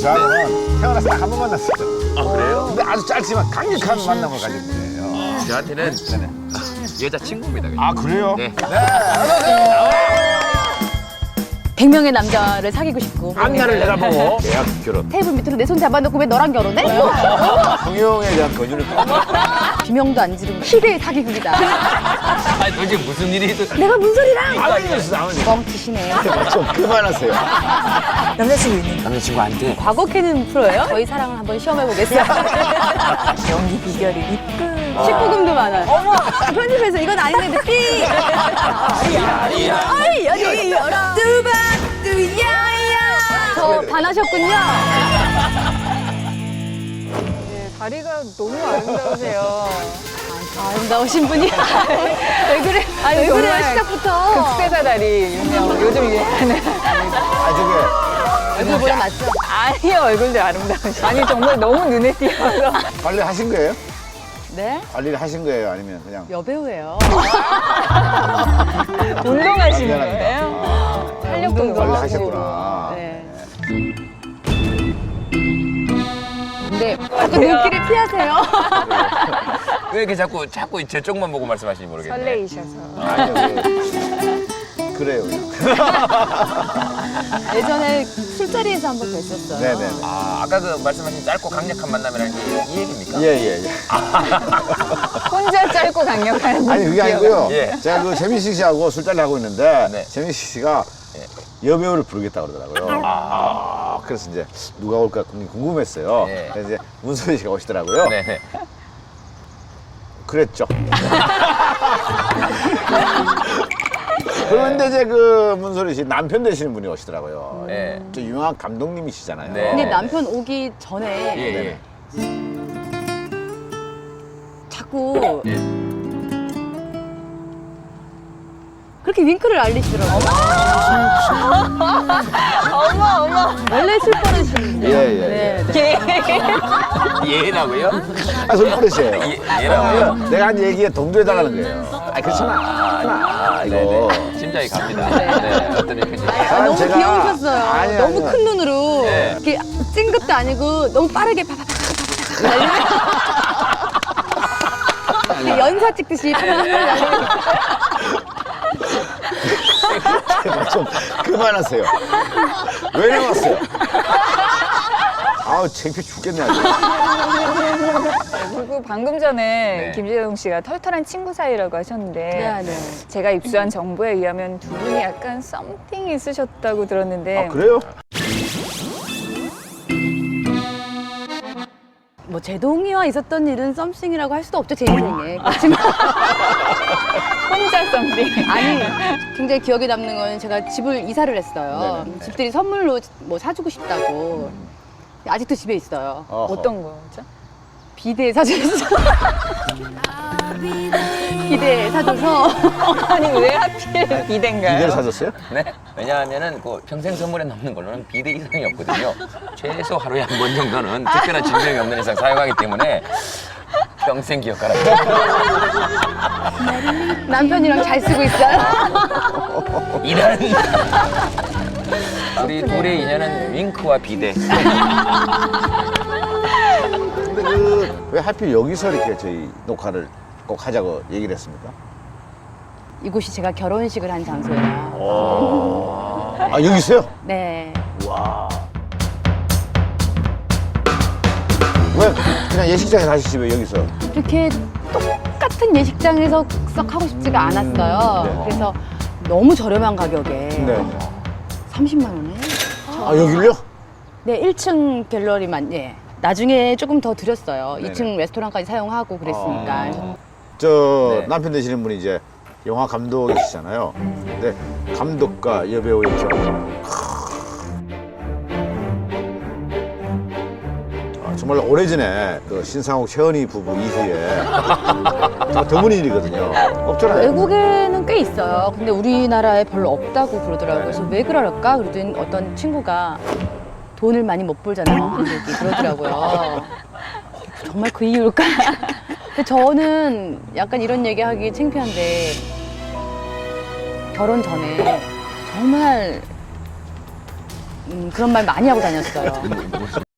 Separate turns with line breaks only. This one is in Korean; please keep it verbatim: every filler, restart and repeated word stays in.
저하고는 태어나서 딱 한 번 만났어요.
아, 그래요?
근데 아주 짧지만 강력한 만남을 가진 분이에요.
저한테는 여자친구입니다.
아, 그래요?
네.
백 명의 남자를 사귀고 싶고
안나를 내다보고 계약 결혼.
테이블 밑으로 내 손 잡아놓고 왜 너랑 결혼해?
성형에 대한 권유를
비명도 안 지르고 희대의 사기극이다.
아, 도대체 무슨 일이 있어?
내가 무슨 소리랑
아버지였어, 아버지.
뻥치시네요.
좀 그만하세요.
남자친구 있는
남자친구한테
과거 캐는 프로예요? 저희 사랑을 한번 시험해보겠어요. 연기 비결이 이쁜. 십구 금도 많아요. 어머, 편집해서 이건 아닌데 삐. 아이 여기 열어. 뚜바 뚜야야. 저 반하셨군요.
네, 다리가 너무 아름다우세요.
아름다우신 분이. 왜 그래?
아니,
왜 그래요
정말
시작부터?
극세사 다리 유명. 요즘 유행하는.
아, 저게
얼굴보다 낫죠?
아니요, 얼굴도 아름다우시. 아니 정말 너무 눈에 띄어서.
관리하신 거예요?
네?
관리를 하신 거예요? 아니면 그냥?
여배우예요.
운동하시는
미안합니다.
거예요?
아,
활력도
관리하셨구나.
네. 근데 자꾸 눈길을 피하세요.
왜 이렇게 자꾸 자꾸 제 쪽만 보고 말씀하시는지 모르겠네.
설레이셔서.
아니요, 그, 그래요. 그냥.
예전에 술자리에서 한 번 뵀었어요.
네네.
아, 아까 그 말씀하신 짧고 강력한 만남이라는 게 이 얘기입니까?
예, 예, 예.
혼자 짧고 강력한.
아니, 그게 아니고요.
예.
제가 그 재민식 씨하고 술자리 하고 있는데,
네.
재민식 씨가 여배우를 부르겠다 그러더라고요. 아, 그래서 이제 누가 올까 궁금했어요.
네.
그래서 이제 문소희 씨가 오시더라고요.
네네.
그랬죠. 그런데 이제 그 문소리 씨 남편 되시는 분이 오시더라고요.
네.
저 유명한 감독님이시잖아요.
네.
근데 남편 오기 전에
예, 예.
자꾸 그렇게 윙크를 알리시더라고요.
어머 어머.
원래 술 버릇인데.
예, 예, 예.
예.
얘라고요?
아, 손버릇이에요.
예, 얘라고요?
내가 한 얘기에 동조해달라는 거예요. 아, 그렇잖아. 아, 이거.
네네. 심장이 갑니다. 네. 어떤 얘기인지.
아, 너무
제가-
귀여우셨어요.
아니,
너무
아니.
큰 눈으로
네.
이렇게 찡긋도 아니고 너무 빠르게 파파파파파파 날리면 연사 찍듯이
제발 좀 그만하세요. 왜 나왔어요? 아우, 창피해 죽겠네, 아주.
그리고 방금 전에
네.
김재동 씨가 털털한 친구 사이라고 하셨는데
네, 네.
제가 입수한 정보에 의하면 두 분이 약간 썸띵이 있으셨다고 들었는데
아, 그래요?
뭐 제동이와 있었던 일은 썸씽이라고 할 수도 없죠, 제 인생에. 그렇지만
혼자 썸띵.
아니 굉장히 기억에 남는 건 제가 집을 이사를 했어요.
네네.
집들이 선물로 뭐 사주고 싶다고. 아직도 집에 있어요.
어허.
어떤 거죠?
비데 사줬어. 비데 사줘서
아니 왜 하필 비대인가요?
이대를 사줬어요?
네. 왜냐하면은 그 평생 선물에 남는 걸로는 비대 이상이 없거든요. 최소 하루에 한 번 정도는 특별한 증명이 없는 이상 사용하기 때문에 평생 기억하라.
남편이랑 잘 쓰고 있어요.
이런. 우리 둘의 인연은 윙크와 비대.
근데 그 왜 하필 여기서 이렇게 저희 녹화를 꼭 하자고 얘기를 했습니까?
이곳이 제가 결혼식을 한 장소예요.
아, 여기 있어요?
네.
왜 그냥 예식장에서 하시지 왜 여기서?
이렇게 똑같은 예식장에서 썩 하고 싶지가 않았어요.
네.
그래서 너무 저렴한 가격에
네.
삼십만 원에.
아, 여기를요?
네, 일 층 갤러리만. 예. 나중에 조금 더 드렸어요.
네네.
이 층 레스토랑까지 사용하고 그랬으니까.
저
네.
남편 되시는 분이 이제 영화 감독이시잖아요. 근데 감독과 여배우의 결혼. 아, 정말 오래전에 그 신상욱 최은희 부부 이후에 정말 드문 일이거든요. 없잖아요.
외국에는 꽤 있어요. 근데 우리나라에 별로 없다고 그러더라고요.
네네.
그래서 왜 그럴까? 그러더니 어떤 친구가 돈을 많이 못 벌잖아요. 한국이. 그러더라고요. 정말 그 이유일까? 근데 저는 약간 이런 얘기하기 창피한데 결혼 전에 정말 음, 그런 말 많이 하고 다녔어요.